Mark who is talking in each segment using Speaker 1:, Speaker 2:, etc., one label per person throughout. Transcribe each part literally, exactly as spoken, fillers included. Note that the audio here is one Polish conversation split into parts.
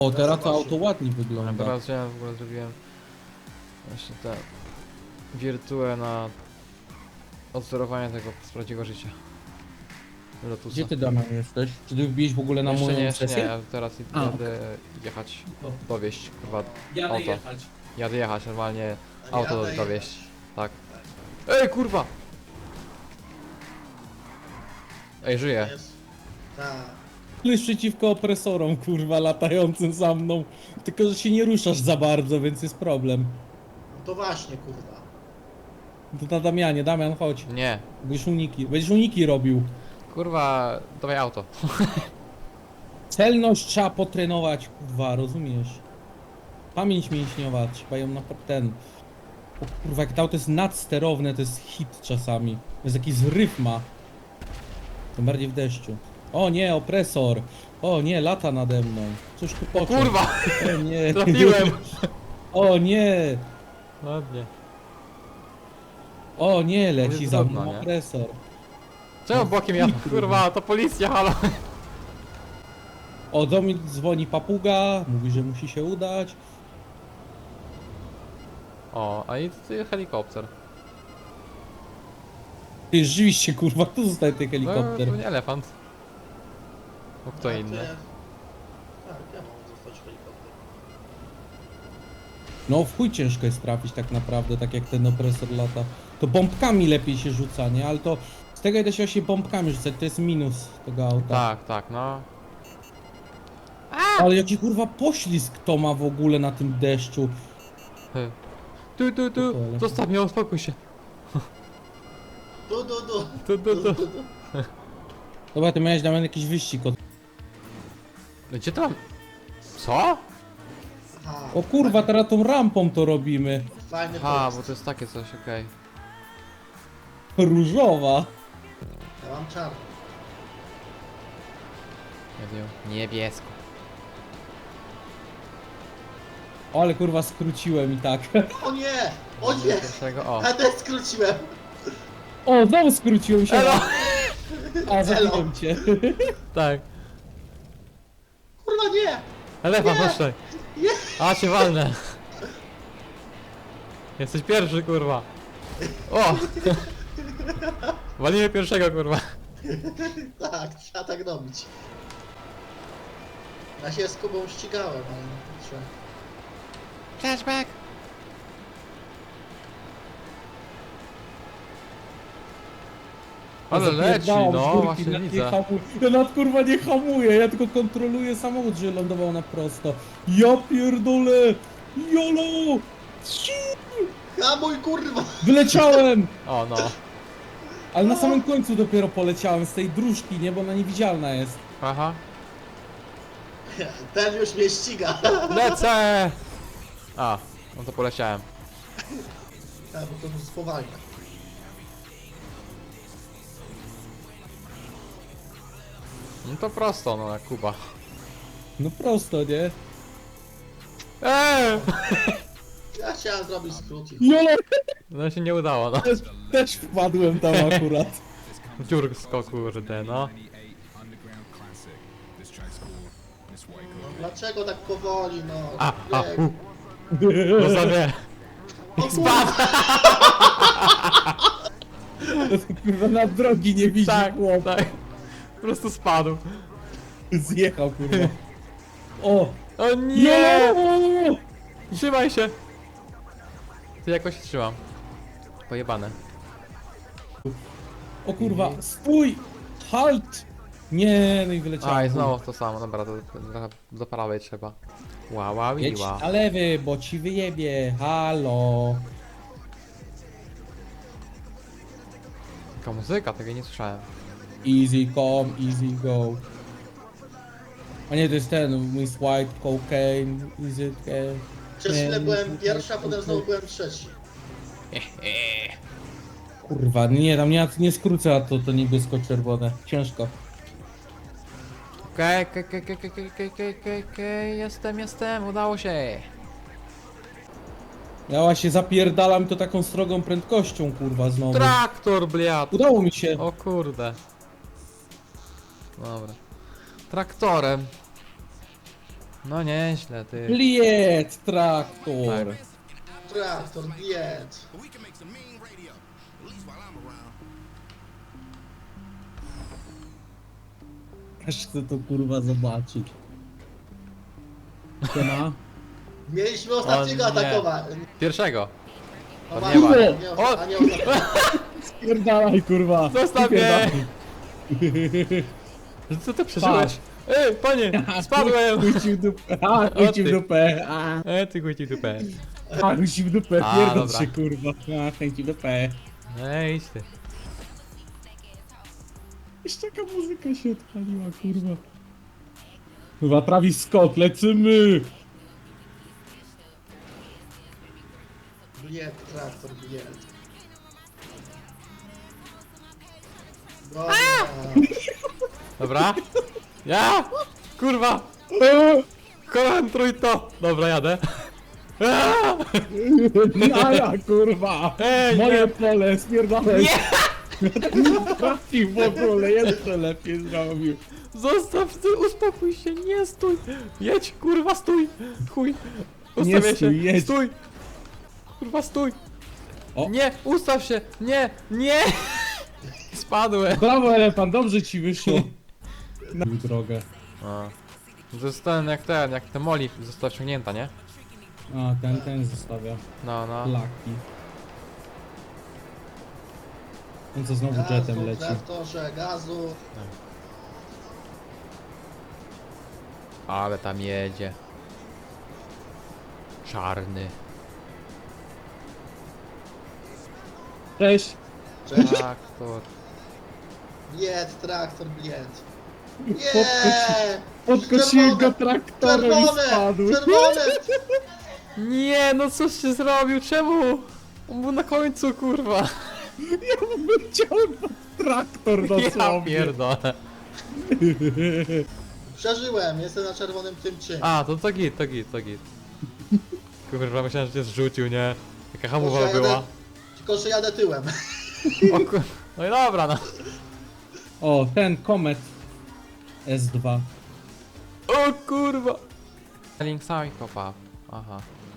Speaker 1: O, teraz to
Speaker 2: zobaczy.
Speaker 1: auto ładnie
Speaker 3: A
Speaker 1: wygląda.
Speaker 3: teraz ja w ogóle zrobiłem właśnie te wirtuę na odsterowanie tego z prawdziwego życia. Lotusa.
Speaker 1: Gdzie ty, Damian, jesteś? Czy ty wbiłeś w ogóle na
Speaker 3: Jeszcze
Speaker 1: moją
Speaker 3: nie, jeszcze nie,
Speaker 1: sesję?
Speaker 3: ja teraz
Speaker 1: A,
Speaker 3: jadę jechać, dowieść kurwa
Speaker 1: Jadę
Speaker 3: auto.
Speaker 1: jechać.
Speaker 3: Jadę jechać normalnie,
Speaker 2: A
Speaker 3: auto
Speaker 2: jadę
Speaker 3: dowieść.
Speaker 2: jechać.
Speaker 3: Tak. Ej kurwa! Ej, żyję.
Speaker 2: Jest. Tak.
Speaker 1: Jest przeciwko opresorom, kurwa, latającym za mną. Tylko, że się nie ruszasz za bardzo, więc jest problem.
Speaker 2: No to właśnie, kurwa.
Speaker 1: To na Damianie, Damian, chodź.
Speaker 3: Nie.
Speaker 1: Będziesz uniki, będziesz uniki robił.
Speaker 3: Kurwa, dawaj auto.
Speaker 1: Celność trzeba potrenować, kurwa, rozumiesz? Pamięć mięśniowa, trzeba ją na ten... O kurwa, jak to auto jest nadsterowne, to jest hit czasami. To jest jakiś zryw ma. Tym bardziej w deszczu. O nie, opresor! O nie, lata nade mną. Cóż tu począł?
Speaker 3: Kurwa!
Speaker 1: O nie.
Speaker 3: Trafiłem!
Speaker 1: O nie!
Speaker 3: Ładnie.
Speaker 1: O nie,
Speaker 3: To
Speaker 1: leci
Speaker 3: jest
Speaker 1: za
Speaker 3: drobno,
Speaker 1: mną
Speaker 3: nie?
Speaker 1: opresor.
Speaker 3: Czemu bokiem ja? Kurwa, to policja, halo!
Speaker 1: O, do mnie dzwoni papuga, mówi, że musi się udać.
Speaker 3: O, a i tutaj helikopter.
Speaker 1: Ty, rzeczywiście, kurwa, tu zostaje ten
Speaker 3: No,
Speaker 1: helikopter.
Speaker 3: to nie elefant. No kto
Speaker 2: A to
Speaker 3: inny?
Speaker 2: ja- Tak, ja mam zostać helikopter.
Speaker 1: No, w chuj ciężko jest trafić tak naprawdę, tak jak ten opresor lata. To bombkami lepiej się rzuca, nie? Ale to z tego da się właśnie bombkami rzucać, to jest minus tego auta.
Speaker 3: Tak, tak, no.
Speaker 1: Ale jaki kurwa poślizg to ma w ogóle na tym deszczu.
Speaker 3: Hy. Tu, tu, tu,
Speaker 1: Spokojnie.
Speaker 3: zostaw mnie, uspokój się.
Speaker 2: Du, du, du.
Speaker 3: Tu, tu, tu.
Speaker 1: Dobra, ty miałeś dla mnie jakiś wyścig od...
Speaker 3: Gdzie tam? Co?
Speaker 2: Aha,
Speaker 1: O kurwa, teraz tą rampą to robimy.
Speaker 2: fajny
Speaker 3: A,
Speaker 2: pojazd.
Speaker 3: bo to jest takie coś, okej.
Speaker 1: Różowa.
Speaker 2: Ja mam czarny.
Speaker 3: Ja wiem. Niebiesko.
Speaker 1: O, ale kurwa skróciłem i tak.
Speaker 2: O nie! O nie!
Speaker 3: Pierwszego, o.
Speaker 2: A też skróciłem!
Speaker 1: O, znowu skróciłem się.
Speaker 3: Elo!
Speaker 1: A, zabiłem cię.
Speaker 3: Tak.
Speaker 2: Kurwa nie!
Speaker 3: Elefant,
Speaker 2: Nie!
Speaker 3: chodź tutaj.
Speaker 2: Nie!
Speaker 3: A, cię walnę. Jesteś pierwszy, kurwa. O! Walimy pierwszego, kurwa.
Speaker 2: Tak, trzeba tak robić. Ja się z Kubą ścigałem, ale nie trzeba.
Speaker 3: Flashback! Ale leci,
Speaker 1: Zapierdalam z
Speaker 3: no,
Speaker 1: górki,
Speaker 3: właśnie
Speaker 1: nawet nie
Speaker 3: widzę.
Speaker 1: hamuję. Ja nawet kurwa nie hamuję, ja tylko kontroluję samochód, że lądował na prosto. Ja pierdolę! Jolo! Ci!
Speaker 2: Hamuj kurwa!
Speaker 1: Wyleciałem!
Speaker 3: O, no.
Speaker 1: Ale na samym końcu dopiero poleciałem z tej dróżki, nie? Bo ona niewidzialna jest.
Speaker 3: Aha.
Speaker 2: Ten już mnie ściga.
Speaker 3: Lecę! A, no to poleciałem.
Speaker 2: Tak, bo to już spowalnia.
Speaker 3: No to prosto, no jak Kuba.
Speaker 1: No prosto, nie?
Speaker 3: Eee!
Speaker 2: Ja chciałem zrobić skrót i
Speaker 1: Jolo!
Speaker 3: No się nie udało, no.
Speaker 1: Też, też wpadłem tam akurat.
Speaker 3: Dziursko, kurde, no.
Speaker 2: no, dlaczego tak powoli, no?
Speaker 3: A, a,
Speaker 2: Bieg.
Speaker 3: u. No sobie.
Speaker 2: O kurwa!
Speaker 1: Kurwa na drogi nie widzi
Speaker 3: Tak,
Speaker 1: chłop.
Speaker 3: tak. Po prostu spadł.
Speaker 1: Zjechał kurwa. O!
Speaker 3: O nie!
Speaker 1: Jolo!
Speaker 3: Trzymaj się! Ty jakoś się trzymam. Pojebane.
Speaker 1: O kurwa, stój! Halt! Nie, no i wyleciałem.
Speaker 3: A, i znowu to samo, dobra, to trochę do prawej trzeba. Ła, ła, wi,
Speaker 1: Jedź
Speaker 3: ła.
Speaker 1: na lewy, bo ci wyjebie. Halo.
Speaker 3: Taka muzyka, tego nie słyszałem.
Speaker 1: Easy come, easy go. A nie, to jest ten, Miss White, cocaine, is it... Uh,
Speaker 2: Przez chwilę byłem pierwszy, a potem znowu byłem trzeci.
Speaker 1: kurwa, nie, tam nie, nie skrócę, a to, to niebiesko-czerwone. Ciężko.
Speaker 3: Okej, okej, okej, okej, okej, okej, okej, okej, okej, jestem, jestem, udało się.
Speaker 1: Ja właśnie zapierdalam to taką strogą prędkością, kurwa, znowu.
Speaker 3: Traktor, bliad.
Speaker 1: Udało mi się.
Speaker 3: O kurde. Dobra. Traktorem. No nieźle, ty.
Speaker 1: Bliet, traktor.
Speaker 3: Tak.
Speaker 2: Traktor, bied.
Speaker 1: Aż chcę to kurwa zobaczyć. Siema.
Speaker 2: Mieliśmy ostatniego
Speaker 3: O nie.
Speaker 2: atakować.
Speaker 3: Pierwszego.
Speaker 2: No
Speaker 3: To
Speaker 2: właśnie,
Speaker 3: nie ma.
Speaker 2: nie,
Speaker 3: O!
Speaker 2: a nie ostatniego.
Speaker 1: Spierdalaj kurwa.
Speaker 3: Zostaw mnie! Co ty przeżyłeś? Ej, panie! Spadłem!
Speaker 1: Chuj ci w dupę. A, chuj ci w
Speaker 3: ty.
Speaker 1: dupę. A,
Speaker 3: E, ty chuj ci dupę.
Speaker 1: a chuj ci w dupę.
Speaker 3: A,
Speaker 1: Pierdol
Speaker 3: dobra.
Speaker 1: się kurwa. A, chuj ci w dupę.
Speaker 3: Ej, idź ty.
Speaker 1: Jeszcze jaka muzyka się odpaliła kurwa. Kurwa, Travis Scott, lecimy!
Speaker 2: Bied, traktor, bied. Dobra.
Speaker 3: Dobra? Ja! Kurwa! Kocham trójto! Dobra, jadę. Aaa!
Speaker 1: Nara kurwa!
Speaker 3: Ej,
Speaker 1: Moje
Speaker 3: nie.
Speaker 1: pole, spierdolę! Nie! Trafił w ogóle, jeszcze lepiej zrobił.
Speaker 3: Zostaw, ty, uspokój się, nie stój! Jedź, kurwa, stój! Chuj!
Speaker 1: Nie
Speaker 3: Ustawię
Speaker 1: stój,
Speaker 3: się!
Speaker 1: jedź.
Speaker 3: Stój! Kurwa, stój!
Speaker 1: O.
Speaker 3: Nie, ustaw się! Nie, nie! Spadłem!
Speaker 1: Brawo elefant, dobrze ci wyszło. Na drogę.
Speaker 3: A. Zostałem jak ten, jak ten Molly została wciągnięta, nie?
Speaker 1: A, ten, ten zostawia.
Speaker 3: No, no.
Speaker 1: Laki. On co znowu jetem
Speaker 2: Gazu,
Speaker 1: leci.
Speaker 2: traktorze, gazu.
Speaker 3: Ale tam jedzie. Czarny.
Speaker 1: Cześć!
Speaker 2: Cześć.
Speaker 3: Traktor.
Speaker 2: Bied, traktor, bied.
Speaker 1: Podkoci-
Speaker 2: Nie!
Speaker 1: Podkosiłem go traktorem i
Speaker 2: Czerwone!
Speaker 1: spadł.
Speaker 2: Czerwone!
Speaker 3: Nie, no coś się zrobił, czemu? On był na końcu, kurwa.
Speaker 1: Ja bym chciał traktor
Speaker 3: Ja
Speaker 1: dosłownie.
Speaker 3: pierdolę.
Speaker 2: Przeżyłem, jestem na czerwonym tym czym.
Speaker 3: A, to to git, to git, to git. Kurwa, myślałem, że cię zrzucił, nie? Jaka
Speaker 2: Tylko,
Speaker 3: hamowa
Speaker 2: że jadę-
Speaker 3: była.
Speaker 2: Tylko, że jadę tyłem.
Speaker 3: O kur... No i dobra, no.
Speaker 1: O, ten komet S dwa.
Speaker 3: O kurwa. Link Psychopath. Aha.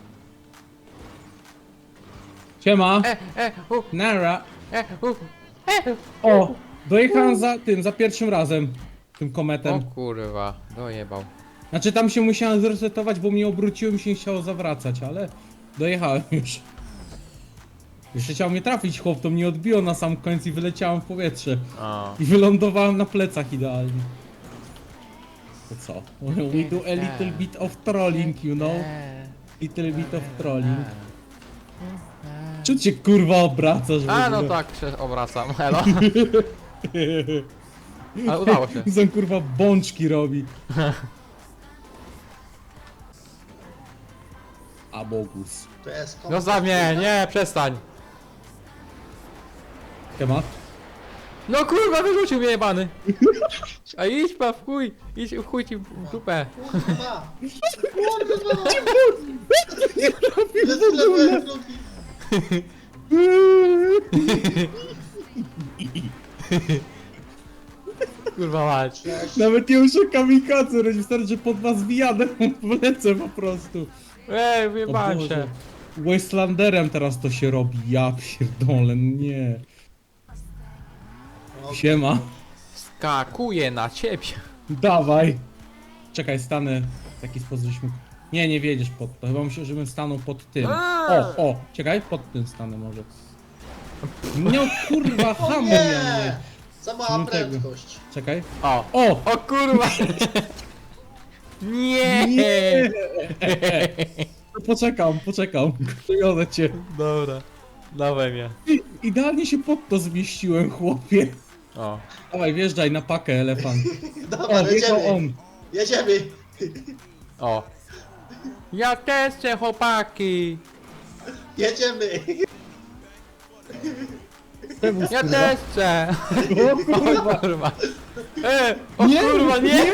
Speaker 1: Siema!
Speaker 3: E, e, u,
Speaker 1: Nara!
Speaker 3: e, u, e.
Speaker 1: O! Dojechałem za tym, za pierwszym razem. Tym
Speaker 3: O
Speaker 1: kometem.
Speaker 3: kurwa, dojebał.
Speaker 1: Znaczy tam się musiałem zresetować, bo mnie obróciło i mi się nie chciało zawracać, ale dojechałem już. Jeszcze chciał mnie trafić chłop, to mnie odbiło na sam końcu i wyleciałem w powietrze.
Speaker 3: O.
Speaker 1: I wylądowałem na plecach idealnie. To co? We do a little bit of trolling, you know? Little bit of trolling. Czym cię kurwa obracasz w
Speaker 3: A no
Speaker 1: ogóle?
Speaker 3: tak się obracam, hello. Ale udało się.
Speaker 1: Zon kurwa bączki robi. A bogus.
Speaker 2: To jest
Speaker 3: No za mnie, nie, przestań.
Speaker 1: Temat?
Speaker 3: No kurwa, wyrzucił mnie jebany. A idź pa w chuj, idź w chuj ci w dupę.
Speaker 2: Kurwa! Kurwa! Jest tyle drugi.
Speaker 3: Kurwa mać.
Speaker 2: Cześć.
Speaker 1: Nawet nie muszę kamikadze robić, wystarczy, że pod was wjadę, wlecę po prostu.
Speaker 3: Ej,
Speaker 1: O
Speaker 3: wyjebałem
Speaker 1: Boże.
Speaker 3: się.
Speaker 1: Wastelanderem teraz to się robi, ja pierdolę, nie.
Speaker 2: O,
Speaker 1: Siema,
Speaker 3: Skakuję na ciebie.
Speaker 1: dawaj. Czekaj, stanę w taki sposób, żeśmy... Nie, nie wiedziesz pod to, chyba myślę, żebym stanął pod tym. O, o, czekaj, pod tym stanę może. No kurwa,
Speaker 2: O
Speaker 1: hamuj
Speaker 2: nie!
Speaker 1: mnie.
Speaker 2: Za mała
Speaker 1: Nie tego.
Speaker 2: prędkość.
Speaker 1: Czekaj.
Speaker 3: O,
Speaker 1: O!
Speaker 3: o kurwa. Nie.
Speaker 1: Nie! Poczekam, poczekam. Przywiozę cię.
Speaker 3: Dobra, dawaj mnie.
Speaker 1: Idealnie się pod to zmieściłem, chłopie.
Speaker 3: O.
Speaker 1: Dawaj, wjeżdżaj na pakę, elefant.
Speaker 2: Dobra,
Speaker 1: O, wjechał
Speaker 2: jedziemy.
Speaker 1: on.
Speaker 2: Jedziemy.
Speaker 3: O. Ja też chcę, chłopaki.
Speaker 2: Jedziemy.
Speaker 1: Tebus,
Speaker 3: Ja
Speaker 1: kurwa.
Speaker 3: też chcę.
Speaker 1: O kurwa,
Speaker 3: O kurwa. E, o
Speaker 1: Nie,
Speaker 3: kurwa, nie.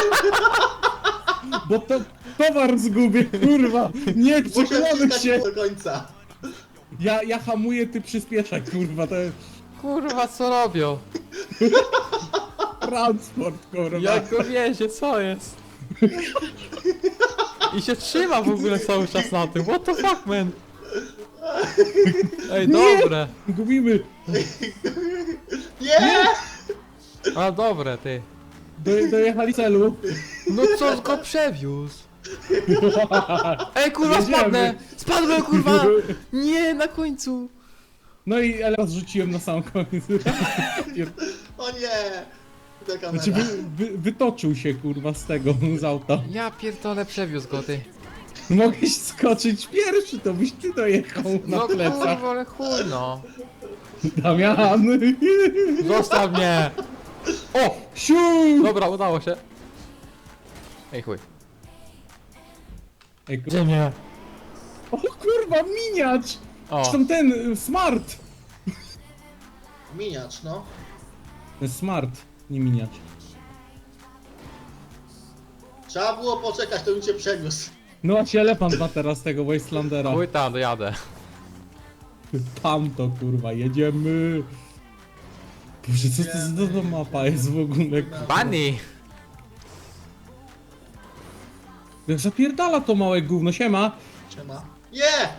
Speaker 1: bo to towar zgubię, kurwa. Nie,
Speaker 2: Muszę
Speaker 1: przekonamy
Speaker 2: wciskać
Speaker 1: się.
Speaker 2: do końca.
Speaker 1: Ja, ja hamuję, ty przyspieszaj, kurwa, to jest
Speaker 3: Kurwa, co robią?
Speaker 1: transport, kurwa.
Speaker 3: Jak go wiezie, co jest? I się trzyma w ogóle cały czas na tym. What the fuck, man? Ej, dobre.
Speaker 1: Gubimy!
Speaker 2: Nie!
Speaker 3: A dobre, ty.
Speaker 1: Do, dojechali celu.
Speaker 3: No co go przewiózł? Ej, kurwa,
Speaker 1: Jedziemy.
Speaker 3: spadnę! Spadłem, kurwa! Nie, na końcu!
Speaker 1: No i ale rzuciłem na sam koniec.
Speaker 2: O nie! Ta kamera.
Speaker 1: Znaczy wy, wy, wytoczył się kurwa z tego, z auta.
Speaker 3: Ja pierdolę, przewiózł go, ty.
Speaker 1: Mogłeś skoczyć pierwszy, to byś ty dojechał na
Speaker 3: No
Speaker 1: plecach.
Speaker 3: kurwa, ale chuj, no.
Speaker 1: Damian!
Speaker 3: Zostaw mnie!
Speaker 1: O! Siu!
Speaker 3: Dobra, udało się. Ej, chuj.
Speaker 1: Ej, kur...
Speaker 3: Gdzie mnie?
Speaker 1: O kurwa, miniacz!
Speaker 3: O,
Speaker 1: Zresztą ten, y, smart!
Speaker 2: Miniacz, no.
Speaker 1: Ten smart, nie miniacz.
Speaker 2: Trzeba było poczekać, to bym cię przeniósł.
Speaker 1: No a się elefant ma teraz tego Wastelandera.
Speaker 3: chuj tam, dojadę.
Speaker 1: Tam to kurwa, jedziemy! Boże, co to za to mapa jest w ogóle?
Speaker 3: Bunny!
Speaker 1: Jak zapierdala to małe gówno, siema!
Speaker 2: Siema. Nie!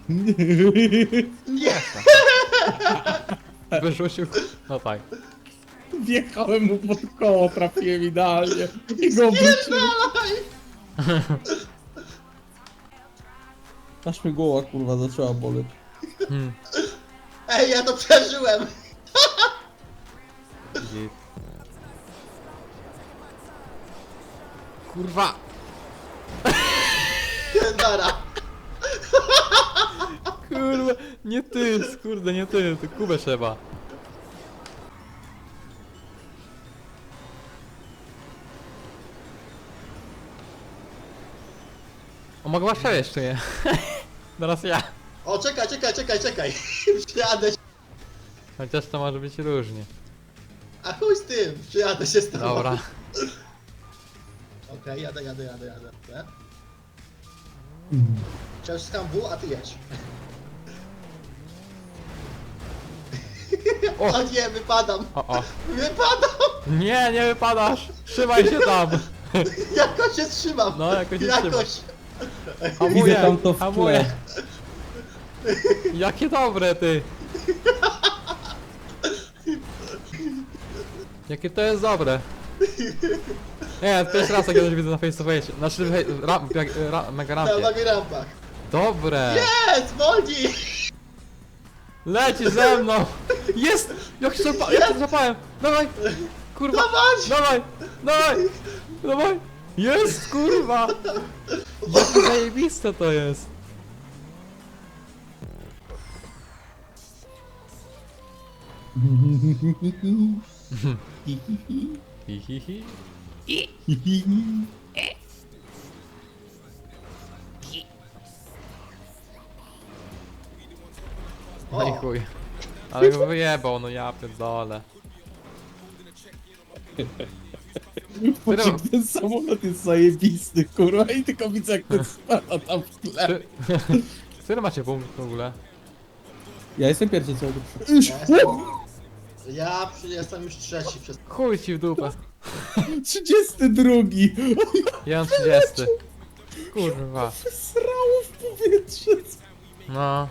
Speaker 2: Nie!
Speaker 3: Wyrzucił. No tak.
Speaker 1: Wjechałem mu pod koło, trafiłem idealnie. I go obróciłem. Aż mi głowa kurwa zaczęła boleć.
Speaker 3: Hmm.
Speaker 2: Ej, ja to przeżyłem!
Speaker 3: Git. Kurwa!
Speaker 2: Dara.
Speaker 3: Kurwa, nie ty, kurde, nie ty, ty Kubę trzeba. O, mogę was przejść, czy nie? Teraz ja.
Speaker 2: O, czekaj, czekaj, czekaj, czekaj. Przyjadę się.
Speaker 3: Chociaż to może być różnie.
Speaker 2: A chuj z tym, przyjadę się z tobą.
Speaker 3: Dobra.
Speaker 2: Okej, jadę, jadę, jadę, jadę. jadę. Wciskam W, a ty jedź.
Speaker 3: O.
Speaker 2: O nie, wypadam!
Speaker 3: O, o.
Speaker 2: Wypadam!
Speaker 3: Nie, nie wypadasz! Trzymaj się tam!
Speaker 2: Jakoś się trzymam!
Speaker 3: No, jakoś się
Speaker 2: Jakoś!
Speaker 3: Hamuję,
Speaker 1: Widzę tam to w
Speaker 3: hamuję.
Speaker 1: tle.
Speaker 3: Jakie dobre, ty! Jakie to jest dobre! Nie, pierwszy raz jak kiedyś widzę na face to face. Znaczy, hej, ra, ra, ra, mega
Speaker 2: Na
Speaker 3: rampie.
Speaker 2: nogi rampach.
Speaker 3: Dobre!
Speaker 2: Jest! Wolni!
Speaker 3: Leci ze mną! Jest! Jak się złapa, jak się złapałem! Dawaj! Kurwa!
Speaker 2: Dawaj!
Speaker 3: Dawaj! Dawaj! Dawaj! Jest, kurwa! Jakie zajebiste to jest! Hi, hi, hi. No i
Speaker 2: O,
Speaker 3: chuj. Ale go wyjebał, no ja pierdolę.
Speaker 1: Patrz, jak ten samolot jest zajebisty, kurwa, i tylko widzę jak ten spada tam w tle.
Speaker 3: Czy... Który macie punkt w ogóle?
Speaker 1: Ja jestem pierwszy, co
Speaker 2: ja jestem, ja przy- jestem już trzeci przez...
Speaker 3: Chuj ci w dupę.
Speaker 1: trzydziesty drugi.
Speaker 3: Ja mam trzydziesty. Kurwa.
Speaker 1: Srało w powietrze.
Speaker 3: No.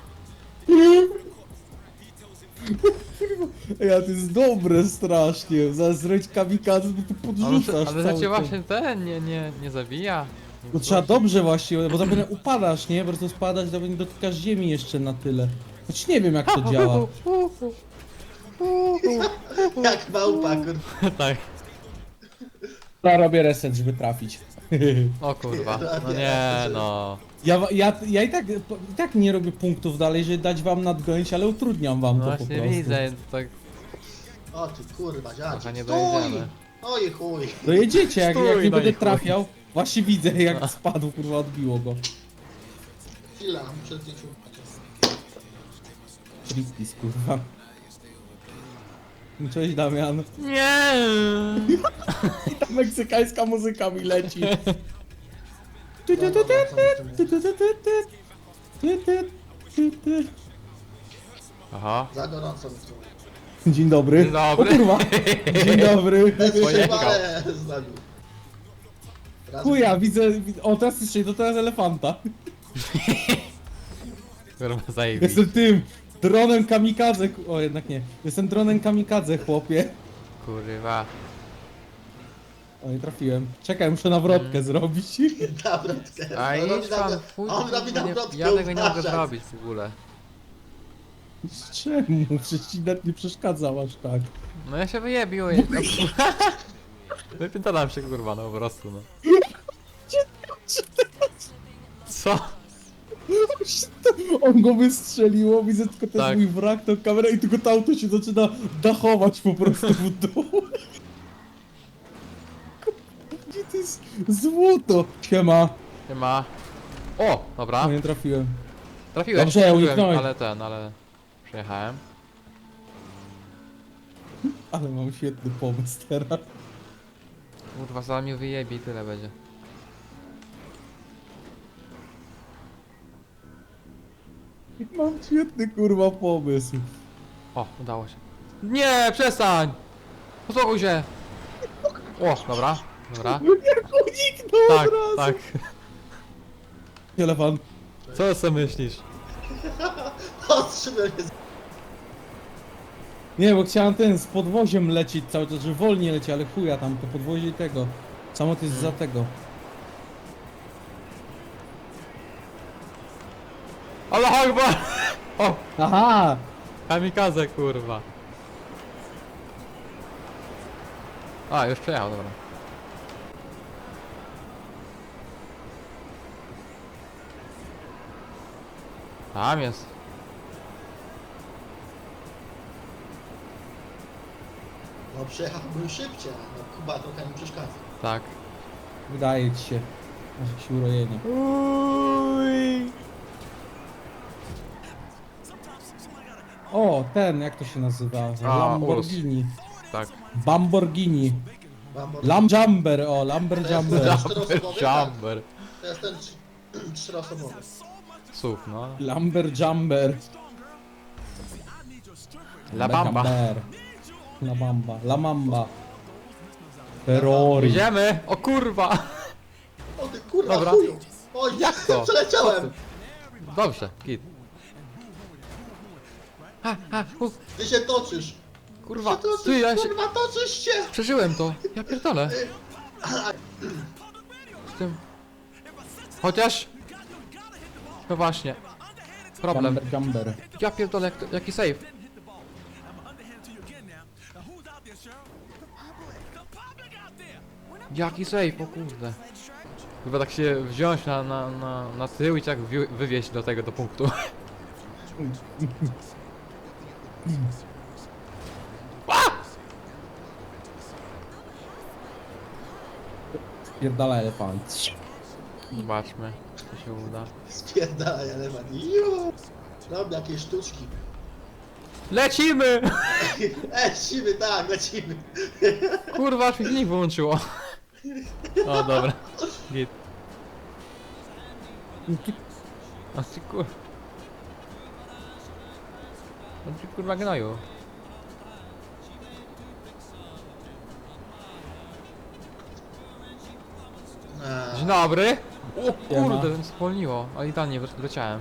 Speaker 1: Ej, a to jest dobre strasznie. Zaraz zrobić kamikadze, bo tu
Speaker 3: Ale,
Speaker 1: podrzucasz
Speaker 3: ale
Speaker 1: cały
Speaker 3: że cię
Speaker 1: czas.
Speaker 3: właśnie ten nie, nie, nie zabija. Nie
Speaker 1: To trzeba
Speaker 3: wchodzi.
Speaker 1: dobrze właśnie, bo zapewne upadasz, nie? Po prostu spadasz, zapewne dotykasz ziemi jeszcze na tyle. Choć nie wiem jak to działa.
Speaker 2: Jak małpa, kurwa.
Speaker 3: Tak.
Speaker 1: Ja robię reset, żeby trafić.
Speaker 3: O kurwa. No nie no.
Speaker 1: Ja, ja, ja i, tak, i tak nie robię punktów dalej, żeby dać wam nadgonić, ale utrudniam wam
Speaker 3: No
Speaker 1: to po
Speaker 3: właśnie
Speaker 1: prostu.
Speaker 3: widzę, tak
Speaker 2: O ty kurwa,
Speaker 3: trochę
Speaker 2: dziadzie.
Speaker 3: nie
Speaker 2: Stój!
Speaker 3: dojedziemy.
Speaker 2: Oj chuj.
Speaker 1: Dojedziecie, jak,
Speaker 3: Stój,
Speaker 1: jak nie
Speaker 3: no
Speaker 1: będę
Speaker 3: i chuj.
Speaker 1: trafiał. Właśnie widzę jak spadł, kurwa, odbiło go.
Speaker 2: Chwila, muszę zdjąć uwagę.
Speaker 1: Tristis, kurwa. Cześć Damian.
Speaker 3: Nie.
Speaker 1: I ta meksykańska muzyka mi leci.
Speaker 3: Aha.
Speaker 2: Za gorąco mi tu.
Speaker 1: Dzień dobry.
Speaker 3: Dzień dobry.
Speaker 1: O kurwa. Dzień dobry.
Speaker 3: Pojechał.
Speaker 2: Ale zabił. Raz-
Speaker 1: Chuja, widzę, widzę, o teraz jeszcze, to teraz elefanta.
Speaker 3: Kurwa, zajebiście.
Speaker 1: Jestem tym, dronem kamikadze, ku- o jednak nie. Jestem dronem kamikadze, chłopie.
Speaker 3: Kurwa.
Speaker 1: O, nie trafiłem. Czekaj, muszę nawrotkę zrobić.
Speaker 2: Nawrotkę.
Speaker 3: A
Speaker 2: On robi
Speaker 3: idź pan,
Speaker 2: nawrot-
Speaker 3: fuj,
Speaker 2: On robi
Speaker 3: nie,
Speaker 2: nawrotkę,
Speaker 3: ja tego nie mogę
Speaker 2: uważaj.
Speaker 3: zrobić w ogóle.
Speaker 1: Czemu? Przecież ci nawet nie przeszkadzał aż tak.
Speaker 3: No ja się wyjebiłem. Wypętalam się kurwa, no po prostu no. Co?
Speaker 1: On go wystrzeliło, widzę tylko ten
Speaker 3: Tak.
Speaker 1: mój wrak, tą kamerę i tylko to auto się zaczyna dachować po prostu w dół. Gdzie to jest złoto? Siema.
Speaker 3: Nie ma. O, dobra.
Speaker 1: No nie trafiłem.
Speaker 3: Trafiłeś,
Speaker 1: Dobrze,
Speaker 3: trafiłem,
Speaker 1: uniknąłeś.
Speaker 3: ale ten, ale... Przejechałem.
Speaker 1: Ale mam świetny pomysł teraz.
Speaker 3: Kurwa, za mnie wyjebie i tyle będzie.
Speaker 1: Mam świetny kurwa pomysł.
Speaker 3: O, udało się. Nie, przestań! Uspokój się! O, dobra, dobra.
Speaker 1: No jak uniknął
Speaker 3: Tak,
Speaker 1: od razu.
Speaker 3: tak.
Speaker 1: Elefant.
Speaker 3: Co sobie myślisz?
Speaker 2: Ostrzymy mnie.
Speaker 1: Nie, bo chciałem ten z podwoziem lecieć cały czas, że wolniej leci, ale chuja tam, to podwozie tego. Samolot jest za tego.
Speaker 3: Ale Akbar! O,
Speaker 1: Aha!
Speaker 3: kamikaze kurwa. A, już przejechał, dobra. Tam jest.
Speaker 2: No przejechałbym szybciej, no Kuba trochę mi przeszkadza.
Speaker 3: Tak.
Speaker 1: Wydaje ci się. Masz jakieś urojenie.
Speaker 3: Uj.
Speaker 1: O, ten, jak to się nazywa?
Speaker 3: A,
Speaker 1: Lamborghini.
Speaker 3: Tak.
Speaker 1: Bamborghini.
Speaker 2: Bambor...
Speaker 1: Lamjumber, o, Lamber
Speaker 2: To jest-
Speaker 1: Jumber.
Speaker 2: to
Speaker 3: Jumper,
Speaker 2: czteroosobowy, tak.
Speaker 3: jumper.
Speaker 2: To jest ten trz- czteroosobowy.
Speaker 3: Słów, no.
Speaker 1: Lamber Jumber.
Speaker 3: La Bamba.
Speaker 1: Jumber. La Bamba. La Mamba. Ferrari.
Speaker 3: Idziemy! O kurwa!
Speaker 2: O ty kurwa
Speaker 3: Dobra.
Speaker 2: chuju! Oj,
Speaker 3: Jak to?
Speaker 2: przeleciałem!
Speaker 3: Dobrze, git. A, a, u,
Speaker 2: Ty się toczysz!
Speaker 3: kurwa,
Speaker 2: Ty się toczysz,
Speaker 3: ty, ja się...
Speaker 2: kurwa, toczysz się!
Speaker 3: Przeżyłem to, ja pierdolę. Z tym... Chociaż... No właśnie. Problem.
Speaker 1: Jumber Jumber.
Speaker 3: Ja pierdolę, jak to, jaki save? Jaki save, o kurde. Chyba tak się wziąć na, na, na, na tył i tak wi- wywieźć do tego, do punktu.
Speaker 1: Pierdala elefant.
Speaker 3: Zobaczmy, czy się uda.
Speaker 2: Spierdalaj elefant. Juuu! Robię jakieś sztuczki.
Speaker 3: Lecimy!
Speaker 2: E, siwy, tak, lecimy.
Speaker 3: Kurwa, aż mi silnik wyłączyło. O, dobra. Git. A ty kur... A ty kurwa gnoju. Dzień
Speaker 2: A,
Speaker 3: dobry! O
Speaker 1: Siema.
Speaker 3: kurde, spolniło, ale idealnie wleciałem.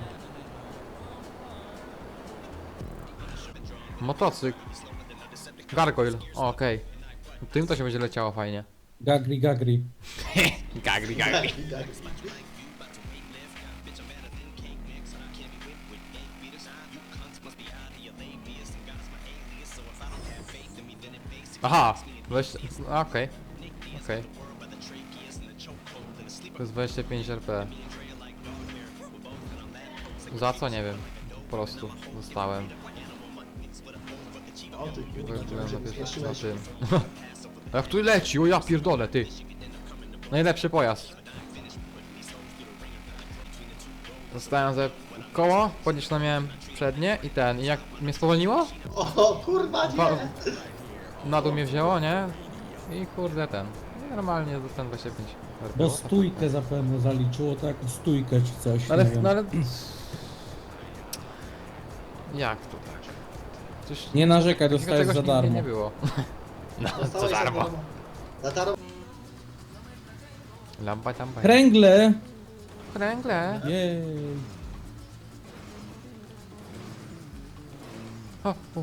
Speaker 3: Motocykl. Gargoyle, o, okej. Tym to się będzie leciało fajnie.
Speaker 1: Gagri, gagri.
Speaker 3: Gagri,
Speaker 2: tak, tak.
Speaker 3: Aha! Weź... a, okej. Okej. To jest dwadzieścia pięć R P. Za co? Nie wiem. Po prostu dostałem.
Speaker 2: O ty kurwa,
Speaker 3: Byłem
Speaker 2: to się
Speaker 3: na, pier- na
Speaker 2: wystraszyłeś.
Speaker 3: tym. Jak tu leci? O ja pierdolę, ty! Najlepszy pojazd. Dostałem za koło, podniesione miałem przednie i ten, i jak mnie spowolniło,
Speaker 2: O kurwa,
Speaker 3: Ba-
Speaker 2: nie!
Speaker 3: na dół mnie wzięło, nie? I kurde ten. I normalnie dostałem dwadzieścia pięć R P.
Speaker 1: Bo stójkę zapewne zaliczyło, tak? Stójkę czy coś.
Speaker 3: Ale,
Speaker 1: nie wiem.
Speaker 3: no ale... Jak to tak? Coś...
Speaker 1: Nie narzekaj,
Speaker 3: takiego
Speaker 1: dostajesz
Speaker 3: czegoś
Speaker 1: za
Speaker 3: nigdy
Speaker 1: darmo.
Speaker 3: nie było.
Speaker 2: Dostałeś za darmo. Za darmo.
Speaker 3: Lampa tampa.
Speaker 1: Kręgle!
Speaker 3: Kręgle.
Speaker 1: Jej.
Speaker 3: O, o.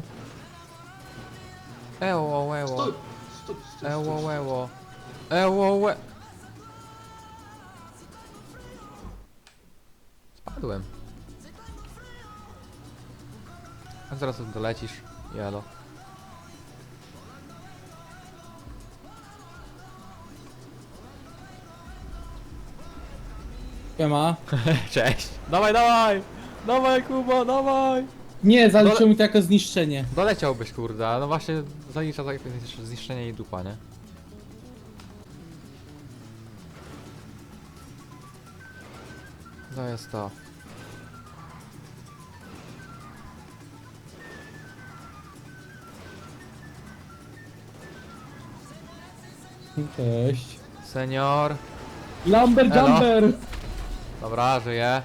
Speaker 3: Eło, eło.
Speaker 2: Stój! Stój, stój,
Speaker 3: Eło,
Speaker 2: stój.
Speaker 3: eło. Eło, łe. Spadłem. A zaraz dolecisz. Jalo.
Speaker 1: Siema.
Speaker 3: Cześć. Dawaj, dawaj. Dawaj, Kuba, dawaj.
Speaker 1: Nie, zaliczyło
Speaker 3: Dole-
Speaker 1: mi to jako zniszczenie.
Speaker 3: Doleciałbyś, kurde, ale no właśnie zalicza tak zniszczenie i dupa, nie? To jest to.
Speaker 1: Cześć.
Speaker 3: Senior.
Speaker 1: Lumber
Speaker 3: Elo.
Speaker 1: Jumper!
Speaker 3: Dobra, żyję.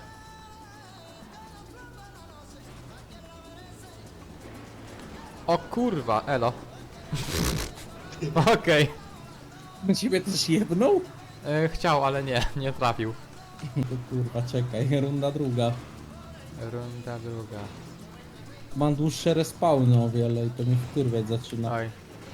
Speaker 3: O kurwa, elo. Okej.
Speaker 1: Na ciebie też jebnął?
Speaker 3: E, Chciał, ale nie, nie trafił.
Speaker 1: To kurwa, czekaj, runda druga.
Speaker 3: Runda druga.
Speaker 1: Mam dłuższe respawny o wiele i to mnie wkurwiać zaczyna.
Speaker 3: Oj.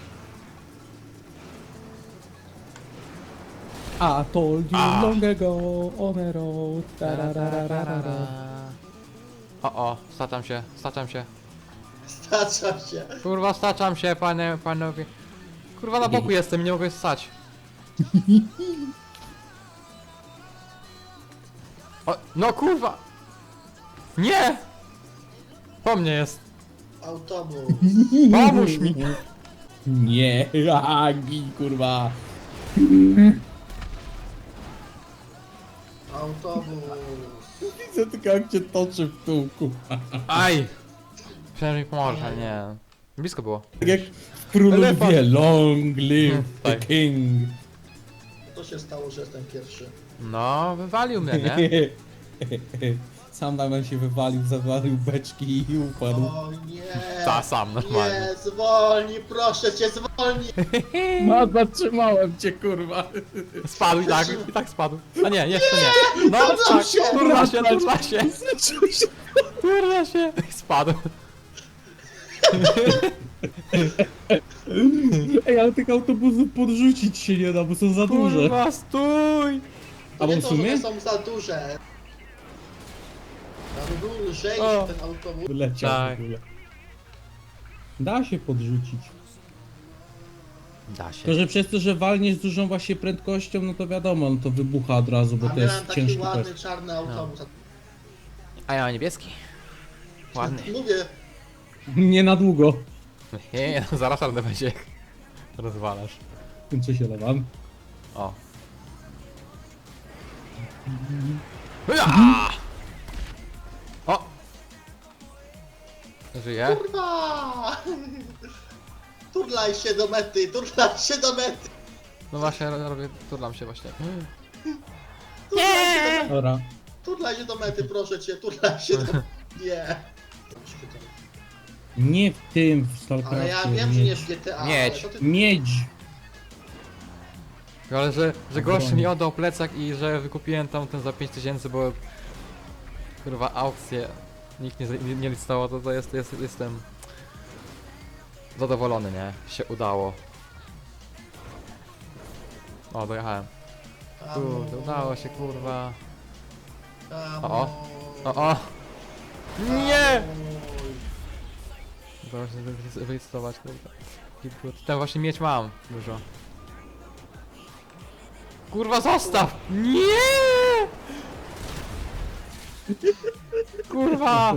Speaker 1: I told you
Speaker 3: A.
Speaker 1: long ago on a road. tararararara.
Speaker 3: O, o, staczam się, staczam się.
Speaker 2: Staczam się.
Speaker 3: Kurwa, staczam się, panie, panowie. Kurwa, na boku jestem i nie mogę stać. O, no kurwa! Nie! Po mnie jest.
Speaker 2: Autobus.
Speaker 3: Pomóż mi!
Speaker 1: Nie, agi, kurwa.
Speaker 2: Autobus.
Speaker 1: Widzę tylko jak cię toczy w tyłku.
Speaker 3: Aj! Myślałem, że mi pomożesz, ale nie. Blisko było.
Speaker 1: Tak jak w Królu
Speaker 3: Elefant.
Speaker 1: Lwie, long live
Speaker 3: Hmm,
Speaker 1: the
Speaker 3: tak.
Speaker 1: king.
Speaker 2: To się stało, że jestem pierwszy.
Speaker 3: No, wywalił mnie, nie?
Speaker 1: Sam Damian się wywalił, zawalił beczki i upadł.
Speaker 2: O nie.
Speaker 3: Ta sam, normalnie.
Speaker 2: Nie, zwolnij, proszę cię, zwolnij.
Speaker 1: No, zatrzymałem cię, kurwa.
Speaker 3: Spadł i tak, i tak spadł. A nie, jeszcze nie. No tak,
Speaker 1: się
Speaker 3: turla się,
Speaker 1: obracać.
Speaker 3: turla się,
Speaker 1: Zaczął się.
Speaker 3: turla się. Spadł.
Speaker 1: Ej, ale tych autobusów podrzucić się nie da, bo są za duże.
Speaker 3: Kurwa, stój!
Speaker 2: To
Speaker 1: A bo
Speaker 2: nie
Speaker 1: w
Speaker 2: to, że
Speaker 1: sumie?
Speaker 2: one są za duże. Tam był lżej
Speaker 3: O.
Speaker 2: ten autobus.
Speaker 1: Leciał
Speaker 3: Tak.
Speaker 1: w ogóle. Da się podrzucić.
Speaker 3: Da się.
Speaker 1: To, że przez to, że walniesz z dużą właśnie prędkością, no to wiadomo, no to wybucha od razu, bo
Speaker 2: A
Speaker 1: to
Speaker 2: miałem
Speaker 1: jest
Speaker 2: taki
Speaker 1: ciężki
Speaker 2: ładny,
Speaker 1: test.
Speaker 2: czarny autobus.
Speaker 3: A ja mam niebieski. Ładny.
Speaker 2: Mówię,
Speaker 1: Nie na długo.
Speaker 3: Nie, no zaraz ale będzie. Rozwalasz.
Speaker 1: Kończę się lewam.
Speaker 3: O. Ja! O! Żyje?
Speaker 2: kurwa! Turlaj się do mety, turlaj się do mety.
Speaker 3: No właśnie, ro- robię, turlam się właśnie.
Speaker 2: Turlaj się do,
Speaker 1: Dobra.
Speaker 2: turlaj się do mety, proszę cię, turlaj się do... Nie.
Speaker 1: Nie w tym, w Stalkerze.
Speaker 2: Ale ja wiem, że nie w G T A.
Speaker 3: Miedź.
Speaker 2: ale to ty-
Speaker 1: Miedź.
Speaker 3: Ale że, że gość
Speaker 1: Broń.
Speaker 3: mi oddał plecak i że wykupiłem tam ten za pięć tysięcy, bo kurwa aukcję nikt nie, nie, nie licytował, to, to jest, jest, jestem zadowolony, nie? Się udało. O, dojechałem. Kurde, udało się, kurwa.
Speaker 2: Tam,
Speaker 3: O, O, o! Nie! Udało się wylic- wylicytować, kurwa. Kurde, ten właśnie mieć mam dużo. Kurwa, zostaw! Nie! Kurwa!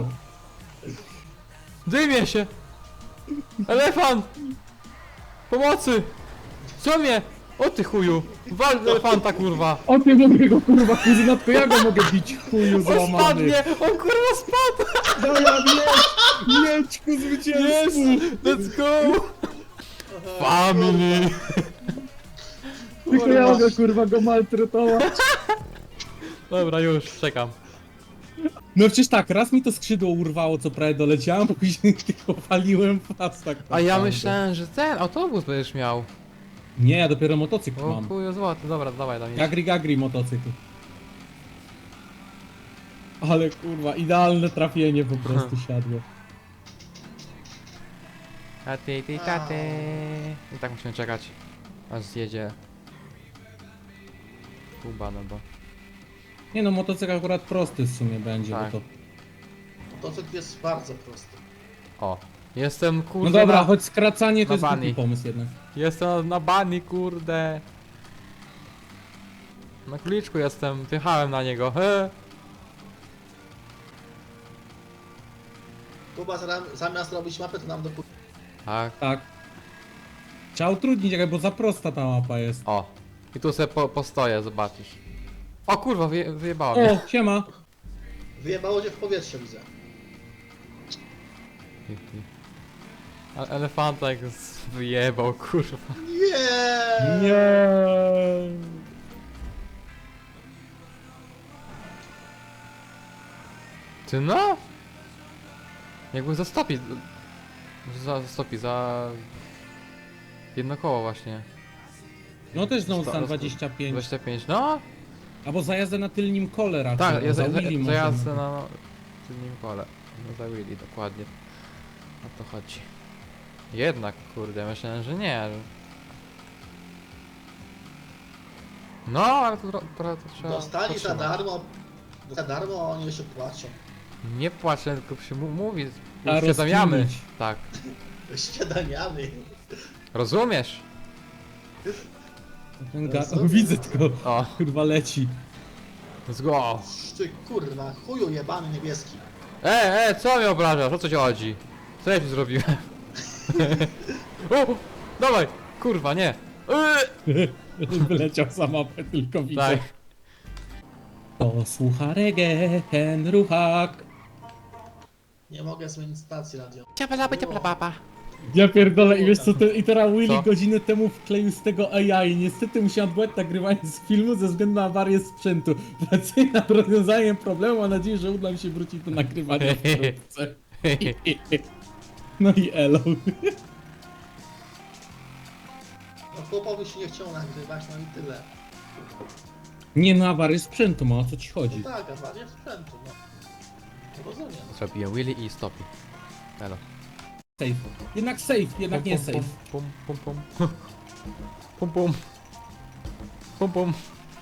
Speaker 3: Dymie się! Elefant! Pomocy! Co mnie? O ty chuju! Wal elefanta, kurwa!
Speaker 1: O ty mogę go kurwa kuzyna, tylko ja go mogę bić chuju
Speaker 3: On
Speaker 1: złamany.
Speaker 3: spadnie! On kurwa spadł!
Speaker 1: Dobra, miedź! Miedź ku
Speaker 3: Yes!
Speaker 1: zwycięstwu!
Speaker 3: Let's go! Family!
Speaker 1: Tylko ja mogę kurwa go maltretować.
Speaker 3: Dobra, już, czekam.
Speaker 1: No przecież tak, raz mi to skrzydło urwało, co prawie doleciałem, później tylko waliłem w pas tak
Speaker 3: A ja
Speaker 1: naprawdę.
Speaker 3: myślałem, że ten autobus będziesz miał.
Speaker 1: Nie, ja dopiero motocykl
Speaker 3: O
Speaker 1: mam.
Speaker 3: chuju złoty, dobra, dawaj tam jedź.
Speaker 1: Gagri gagri motocykl. Ale kurwa, idealne trafienie po prostu siadło.
Speaker 3: Taty, ty, taty. I tak musimy czekać, aż zjedzie Kuba, no bo...
Speaker 1: Nie no, motocykl akurat prosty w sumie będzie,
Speaker 3: Tak.
Speaker 1: bo to...
Speaker 2: Motocykl jest bardzo prosty.
Speaker 3: O, jestem kurde
Speaker 1: No dobra,
Speaker 3: na...
Speaker 1: choć skracanie to
Speaker 3: na
Speaker 1: jest głupi
Speaker 3: bani.
Speaker 1: pomysł jednak.
Speaker 3: Jestem na bani, kurde. Na kuliczku jestem, wjechałem na niego, he.
Speaker 2: Kuba zra- zamiast robić mapę, to nam do
Speaker 3: Tak,
Speaker 1: Tak. Trzeba utrudnić, jakby, bo za prosta ta mapa jest.
Speaker 3: o. I tu sobie po, postoję, zobaczysz. O kurwa, wyje, wyjebało mnie.
Speaker 1: O, siema.
Speaker 2: Wyjebało cię w powietrze, widzę.
Speaker 3: Ale elefanta jak z- wyjebał, kurwa.
Speaker 2: Nie!
Speaker 1: Nie.
Speaker 3: Ty no? Jakby zastopi. Za, zastopi, za... Jedno koło właśnie.
Speaker 1: No też znowu
Speaker 3: Sto-
Speaker 1: stan
Speaker 3: sto-
Speaker 1: dwadzieścia pięć.
Speaker 3: dwadzieścia pięć, no?
Speaker 1: Albo za jazdę na tylnim kole raczej.
Speaker 3: Tak,
Speaker 1: bo
Speaker 3: ja
Speaker 1: za
Speaker 3: za, za,
Speaker 1: Willy
Speaker 3: za
Speaker 1: możemy.
Speaker 3: jazdę na no, tylnym kole. No za Willy, dokładnie. O to chodzi. Jednak, kurde, myślałem, że nie. że- No, ale to, tro- trochę to trzeba
Speaker 2: Dostali za
Speaker 3: potrzymać.
Speaker 2: darmo. Za darmo, a oni jeszcze płaczą.
Speaker 3: Nie płaczę, tylko się mu mówi.
Speaker 1: Trzeba
Speaker 3: Uświadamiamy.
Speaker 1: rozkminić.
Speaker 3: Tak.
Speaker 2: Śniadaniami.
Speaker 3: Rozumiesz?
Speaker 1: Ten ga- o, widzę tylko,
Speaker 3: O,
Speaker 1: kurwa leci.
Speaker 3: let's go.
Speaker 2: Ty kurwa, chuju jebany niebieski.
Speaker 3: E, e, co mnie obrażasz? O co ci chodzi? Co ja ci zrobiłem? o, dawaj, kurwa, nie. Eee.
Speaker 1: Wyleciał za mapę, tylko widzę.
Speaker 3: Tak.
Speaker 1: To słucha reggae, ten ruchak.
Speaker 2: Nie mogę zmienić stacji radio.
Speaker 3: Ciapa, ciapa, ciapa, papa.
Speaker 1: Ja pierdolę i wiesz co, te, i teraz Willy
Speaker 3: Co?
Speaker 1: godzinę temu wkleił z tego A I. Niestety musiałem odbyć nagrywanie z filmu ze względu na awarię sprzętu. Pracuję nad rozwiązaniem problemu, mam nadzieję, że uda mi się wrócić do nagrywania wkrótce. No i elo.
Speaker 2: No chłopowi się nie chciał nagrywać, no i tyle.
Speaker 1: Nie no, awarię sprzętu ma, o co ci chodzi?
Speaker 2: No tak, awaria sprzętu, no. Rozumiem.
Speaker 3: Zrobiłem Willy i stopi. Elo.
Speaker 1: Safe. Jednak safe, jednak nie safe.
Speaker 3: Pum, pum, pum, pum. Pum, pum. Pum, pum.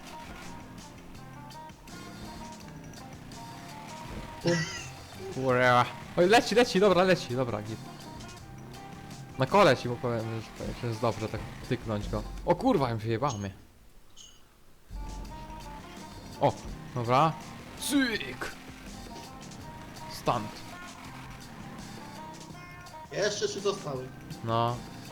Speaker 3: Ura. Oj, leci, leci, dobra, leci, dobra, git. Na kole ci mu powiem, że, że jest dobrze tak tyknąć go. O kurwa, im wyjebało mnie. O, dobra. Cyk! Stunt.
Speaker 2: Jeszcze trzy zostały.
Speaker 3: No.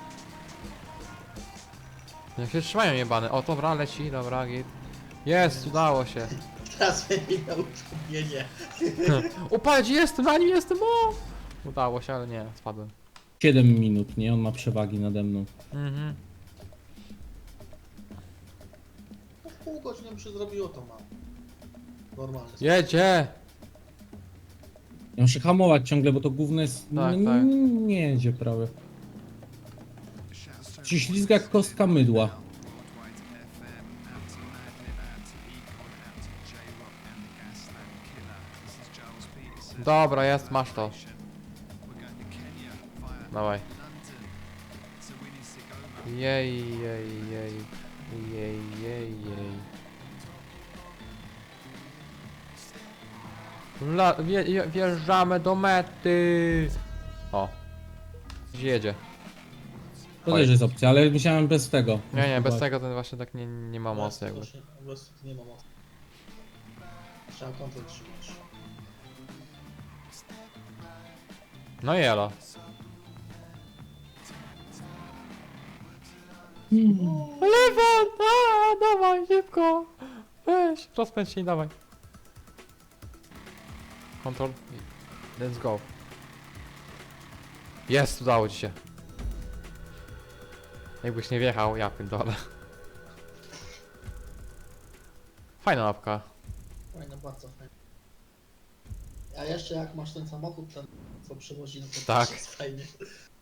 Speaker 3: Jak się trzymają jebane. O, dobra, leci, dobra, git. Jest, udało się.
Speaker 2: Teraz będzie miał utrudnienie.
Speaker 3: O, patrz, jestem, na nim jestem, o! Udało się, ale nie, spadłem.
Speaker 1: siedem minut, nie? On ma przewagi nade mną.
Speaker 3: Mhm.
Speaker 2: No w pół godziny by się zrobiło to mam. Normalnie.
Speaker 3: Jedzie!
Speaker 1: Ja muszę hamować ciągle, bo to gówno jest...
Speaker 3: Tak,
Speaker 1: no,
Speaker 3: tak.
Speaker 1: nie jedzie prawie. Się ślizga jak kostka mydła.
Speaker 3: Dobra, jest, masz to. Dawaj. Jej, jej, jej. Jej, jej, jej. La, wje, je- wjeżdżamy do mety. O. Gdzie jedzie?
Speaker 1: To
Speaker 3: Oj.
Speaker 1: też jest opcja, ale musiałem bez tego.
Speaker 3: Nie, nie, bez tego ten właśnie tak nie, nie ma mocy jakby.
Speaker 2: Właśnie, po prostu nie ma mocy. Trzeba kontrol trzymać.
Speaker 3: No jelo. Lewo! A, dawaj, szybko! Weź, rozpędź się i dawaj. Kontrol. i Let's go. Jest, udało ci się. Jakbyś nie wjechał, ja pierdolę. Fajna mapka.
Speaker 2: Fajne, bardzo fajne. A jeszcze jak masz ten samochód, ten co przywozi, no to
Speaker 3: Tak.
Speaker 2: też jest fajnie.